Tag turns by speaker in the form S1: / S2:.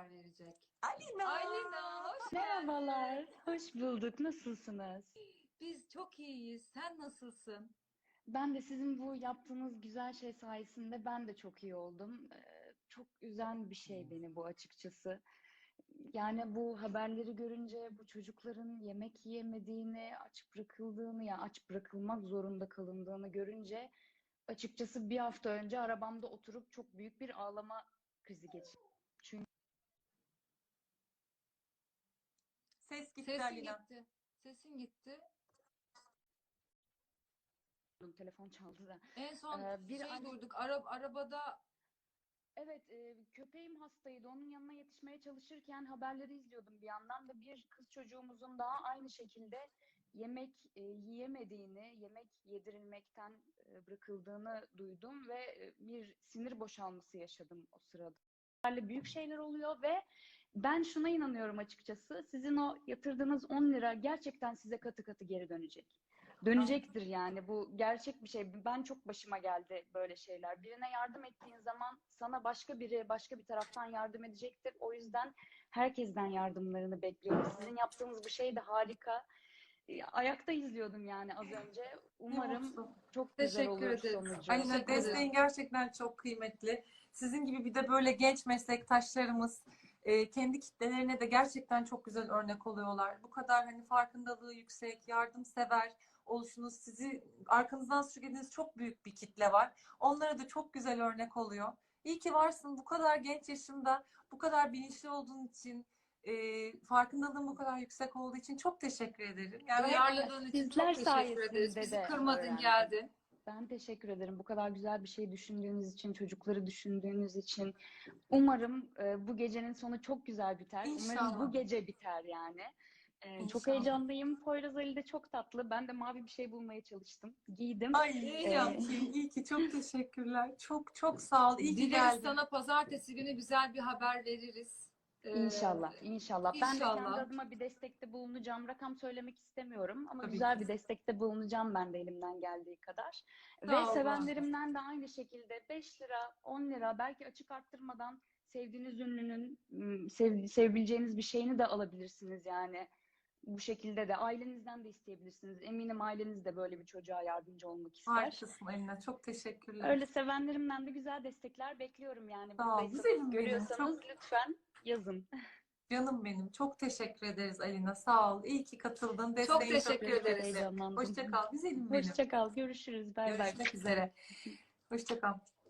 S1: haber verecek.
S2: Alina!
S1: Alina, hoş geldin.
S3: Merhabalar, hoş bulduk. Nasılsınız?
S1: Biz çok iyiyiz. Sen nasılsın?
S3: Ben de sizin bu yaptığınız güzel şey sayesinde ben de çok iyi oldum. Çok üzen bir şey beni bu açıkçası. Yani bu haberleri görünce bu çocukların yemek yiyemediğini, aç bırakıldığını, ya aç bırakılmak zorunda kalındığını görünce açıkçası bir hafta önce arabamda oturup çok büyük bir ağlama krizi geçirdim. Çünkü
S2: Ses gitti
S1: Sesin
S2: Alina.
S1: gitti. Sesin gitti.
S3: telefon çaldı da.
S1: En son
S3: Bir
S1: şey
S3: anne
S1: duyduk. Arabada
S3: Evet, köpeğim hastaydı. Onun yanına yetişmeye çalışırken haberleri izliyordum bir yandan da bir kız çocuğumuzun daha aynı şekilde yemek yiyemediğini, yemek yedirilmekten bırakıldığını duydum ve bir sinir boşalması yaşadım o sırada. Böyle büyük şeyler oluyor ve ben şuna inanıyorum açıkçası. Sizin o yatırdığınız 10 lira gerçekten size katı katı geri dönecek. Dönecektir yani bu gerçek bir şey. Ben çok başıma geldi böyle şeyler. Birine yardım ettiğin zaman sana başka biri başka bir taraftan yardım edecektir. O yüzden herkesten yardımlarını bekliyorum. Sizin yaptığınız bu şey de harika. Ayakta izliyordum yani az önce.
S2: Ne
S3: Umarım
S2: mutlu.
S3: çok güzel
S1: teşekkür
S3: olur
S1: ederiz.
S3: sonucu.
S2: Alina,
S1: Teşekkür ederim.
S2: desteğin gerçekten çok kıymetli. Sizin gibi bir de böyle genç meslektaşlarımız kendi kitlelerine de gerçekten çok güzel örnek oluyorlar. Bu kadar hani farkındalığı yüksek, yardımsever oluşunuz, sizi arkanızdan sürüklediğiniz çok büyük bir kitle var. Onlara da çok güzel örnek oluyor. İyi ki varsın. Bu kadar genç yaşında, bu kadar bilinçli olduğun için, farkındalığın bu kadar yüksek olduğu için çok teşekkür ederim. Yani
S1: Duyarladığın için
S3: Sizler
S1: çok teşekkür ederiz.
S3: sayesinde
S1: Bizi
S3: de
S1: kırmadın,
S3: öğrendim.
S1: geldin.
S3: Ben teşekkür ederim. Bu kadar güzel bir şey düşündüğünüz için, çocukları düşündüğünüz için. Umarım bu gecenin sonu çok güzel biter. Umarım bu
S2: inşallah.
S3: gece biter yani. Çok
S2: İnşallah.
S3: heyecanlıyım. Poyraz Ali de çok tatlı. Ben de mavi bir şey bulmaya çalıştım. Giydim.
S2: Ay iyi
S3: E,
S2: ki, iyi ki. Çok teşekkürler. Çok çok sağ ol. İyi ki
S1: Dileriz
S2: geldin.
S1: sana pazartesi günü güzel bir haber veririz.
S3: İnşallah, inşallah. Ben de kendi
S1: İnşallah.
S3: adıma bir destekte bulunacağım. Rakam söylemek istemiyorum ama
S2: Tabii
S3: güzel
S2: ki.
S3: bir destekte bulunacağım ben de elimden geldiği kadar. Ve
S1: Sağ olun.
S3: sevenlerimden de aynı şekilde 5 lira, 10 lira belki açık arttırmadan sevdiğiniz ünlünün sevebileceğiniz bir şeyini de alabilirsiniz yani. Bu şekilde de ailenizden de isteyebilirsiniz. Eminim aileniz de böyle bir çocuğa yardımcı olmak ister.
S2: Harikasın Alina. Çok teşekkürler.
S3: Öyle sevenlerimden de güzel destekler bekliyorum yani.
S2: Sağ ol.
S3: Buradaysanız,
S2: Güzelim benim.
S3: görüyorsanız
S2: Çok
S3: lütfen yazın.
S2: canım benim. Çok teşekkür ederiz Alina. Sağ ol. İyi ki katıldın.
S1: Çok
S2: Desteğin çok
S1: teşekkür
S3: Çok çok
S1: ederiz.
S2: kıymetli.
S3: heyecanlandım.
S2: Hoşça kal. Güzelim benim.
S3: Hoşça kal. Görüşürüz. Bay bay.
S2: Görüşmek üzere. Hoşça kal.